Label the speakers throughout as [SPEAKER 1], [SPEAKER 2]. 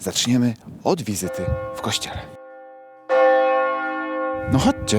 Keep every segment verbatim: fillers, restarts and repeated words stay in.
[SPEAKER 1] zaczniemy od wizyty w kościele. No chodźcie.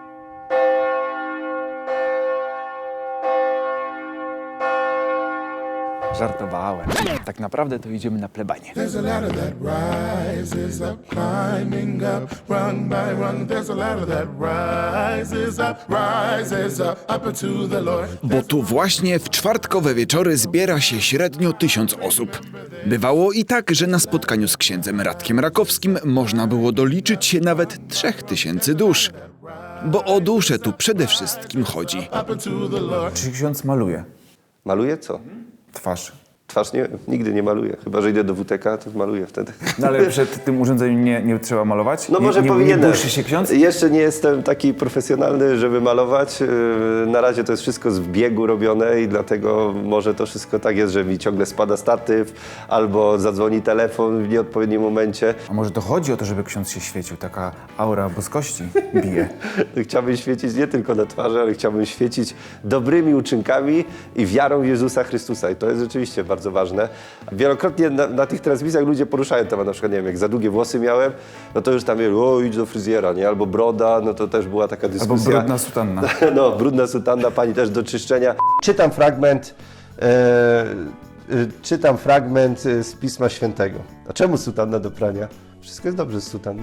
[SPEAKER 1] Żartowałem. Tak naprawdę to idziemy na plebanie.
[SPEAKER 2] There's a ladder that rises up, climbing up, rung by rung. There's a ladder that rises up, rises up, up to the Lord.
[SPEAKER 1] Bo tu właśnie w czwartkowe wieczory zbiera się średnio tysiąc osób. Bywało i tak, że na spotkaniu z księdzem Radkiem Rakowskim można było doliczyć się nawet trzech tysięcy dusz. Bo o duszę tu przede wszystkim chodzi.
[SPEAKER 2] Up to the Lord.
[SPEAKER 3] Czy ksiądz maluje
[SPEAKER 4] Maluję co?
[SPEAKER 3] twarz?
[SPEAKER 4] Twarz nie, nigdy nie maluję. Chyba że idę do W T K, to maluję wtedy.
[SPEAKER 3] No ale przed tym urządzeniem nie, nie trzeba malować?
[SPEAKER 4] No może
[SPEAKER 3] nie, nie,
[SPEAKER 4] powinienem.
[SPEAKER 3] Nie błyszy się ksiądz?
[SPEAKER 4] Jeszcze nie jestem taki profesjonalny, żeby malować. Yy, Na razie to jest wszystko z biegu robione i dlatego może to wszystko tak jest, że mi ciągle spada statyw albo zadzwoni telefon w nieodpowiednim momencie.
[SPEAKER 3] A może to chodzi o to, żeby ksiądz się świecił? Taka aura boskości bije.
[SPEAKER 4] Chciałbym świecić nie tylko na twarzy, ale chciałbym świecić dobrymi uczynkami i wiarą w Jezusa Chrystusa. I to jest rzeczywiście bardzo ważne. Wielokrotnie na, na tych transmisjach ludzie poruszają temat, na przykład, nie wiem, jak za długie włosy miałem, no to już tam mieli, o, idź do fryzjera, nie? Albo broda, no to też była taka
[SPEAKER 3] Albo
[SPEAKER 4] dyskusja.
[SPEAKER 3] brudna sutanna.
[SPEAKER 4] No, brudna sutanna, pani też do czyszczenia. Czytam fragment, e, e, czytam fragment z Pisma Świętego. A czemu sutanna do prania? Wszystko jest dobrze z sutanną.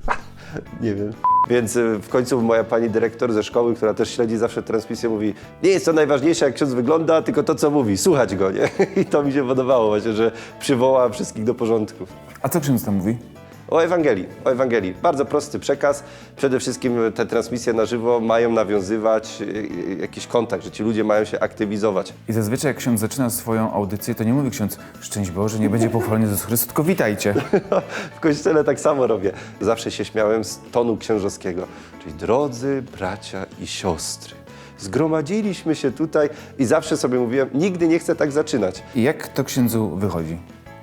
[SPEAKER 4] Nie wiem. Więc e, w końcu moja pani dyrektor ze szkoły, która też śledzi zawsze transmisję, mówi: nie jest to najważniejsze, jak ksiądz wygląda, tylko to, co mówi, słuchać go, nie? I to mi się podobało właśnie, że przywoła wszystkich do porządku.
[SPEAKER 3] A co ksiądz tam mówi?
[SPEAKER 4] O Ewangelii, o Ewangelii. Bardzo prosty przekaz. Przede wszystkim te transmisje na żywo mają nawiązywać e, jakiś kontakt, że ci ludzie mają się aktywizować.
[SPEAKER 3] I zazwyczaj jak ksiądz zaczyna swoją audycję, to nie mówi ksiądz: szczęść Boże, nie będzie pochwalony Jezus Chrystus, tylko witajcie.
[SPEAKER 4] W kościele tak samo robię. Zawsze się śmiałem z tonu księżowskiego. Czyli drodzy bracia i siostry, zgromadziliśmy się tutaj i zawsze sobie mówiłem, nigdy nie chcę tak zaczynać.
[SPEAKER 3] I jak to księdzu wychodzi?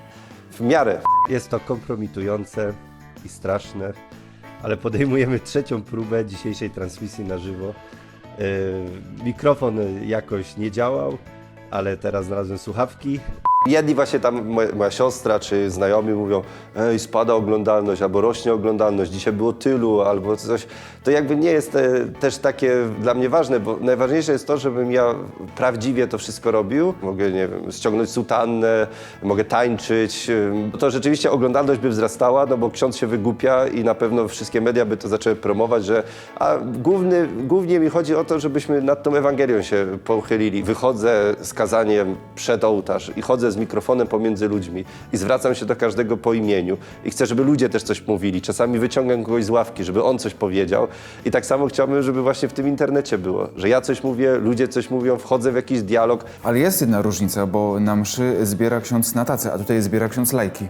[SPEAKER 4] W miarę. Jest to kompromitujące i straszne, ale podejmujemy trzecią próbę dzisiejszej transmisji na żywo. Yy, mikrofon jakoś nie działał, ale teraz znalazłem słuchawki. Jedni właśnie tam, moja, moja siostra czy znajomi mówią: ej, spada oglądalność, albo rośnie oglądalność, dzisiaj było tylu, albo coś. To jakby nie jest e, też takie dla mnie ważne, bo najważniejsze jest to, żebym ja prawdziwie to wszystko robił. Mogę, nie wiem, ściągnąć sutannę, mogę tańczyć. e, To rzeczywiście oglądalność by wzrastała, no bo ksiądz się wygłupia i na pewno wszystkie media by to zaczęły promować, że a główny, głównie mi chodzi o to, żebyśmy nad tą Ewangelią się pochylili. Wychodzę z kazaniem przed ołtarz i chodzę z mikrofonem pomiędzy ludźmi i zwracam się do każdego po imieniu i chcę, żeby ludzie też coś mówili. Czasami wyciągam kogoś z ławki, żeby on coś powiedział i tak samo chciałbym, żeby właśnie w tym internecie było, że ja coś mówię, ludzie coś mówią, wchodzę w jakiś dialog.
[SPEAKER 3] Ale jest jedna różnica, bo na mszy zbiera ksiądz na tacę, a tutaj zbiera ksiądz lajki.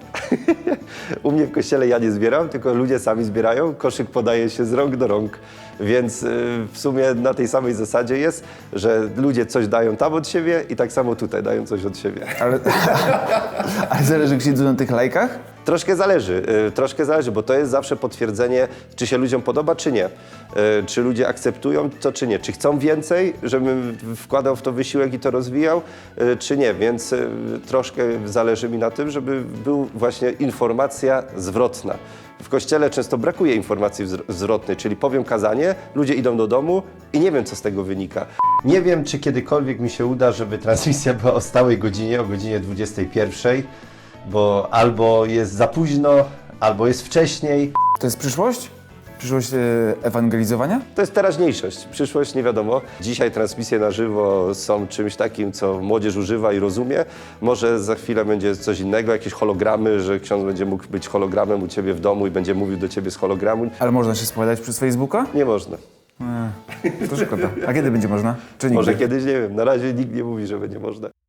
[SPEAKER 4] U mnie w kościele ja nie zbieram, tylko ludzie sami zbierają, koszyk podaje się z rąk do rąk, więc yy, w sumie na tej samej zasadzie jest, że ludzie coś dają tam od siebie i tak samo tutaj dają coś od siebie.
[SPEAKER 3] Ale, ale zależy księdzu na tych lajkach?
[SPEAKER 4] Troszkę zależy, y, troszkę zależy, bo to jest zawsze potwierdzenie, czy się ludziom podoba, czy nie. Y, czy ludzie akceptują to, czy nie. Czy chcą więcej, żebym wkładał w to wysiłek i to rozwijał, y, czy nie. Więc y, troszkę zależy mi na tym, żeby był właśnie informacja zwrotna. W kościele często brakuje informacji wzr- zwrotnej, czyli powiem kazanie, ludzie idą do domu i nie wiem, co z tego wynika. Nie wiem, czy kiedykolwiek mi się uda, żeby transmisja była o stałej godzinie, o godzinie dwudziestej pierwszej, bo albo jest za późno, albo jest wcześniej.
[SPEAKER 3] To jest przyszłość? Przyszłość e, ewangelizowania?
[SPEAKER 4] To jest teraźniejszość, przyszłość nie wiadomo. Dzisiaj transmisje na żywo są czymś takim, co młodzież używa i rozumie. Może za chwilę będzie coś innego, jakieś hologramy, że ksiądz będzie mógł być hologramem u ciebie w domu i będzie mówił do ciebie z hologramu.
[SPEAKER 3] Ale można się spowiadać przez Facebooka?
[SPEAKER 4] Nie można.
[SPEAKER 3] E, to szkoda. A kiedy będzie można? Czy nigdy?
[SPEAKER 4] Może kiedyś, nie wiem. Na razie nikt nie mówi, że będzie można.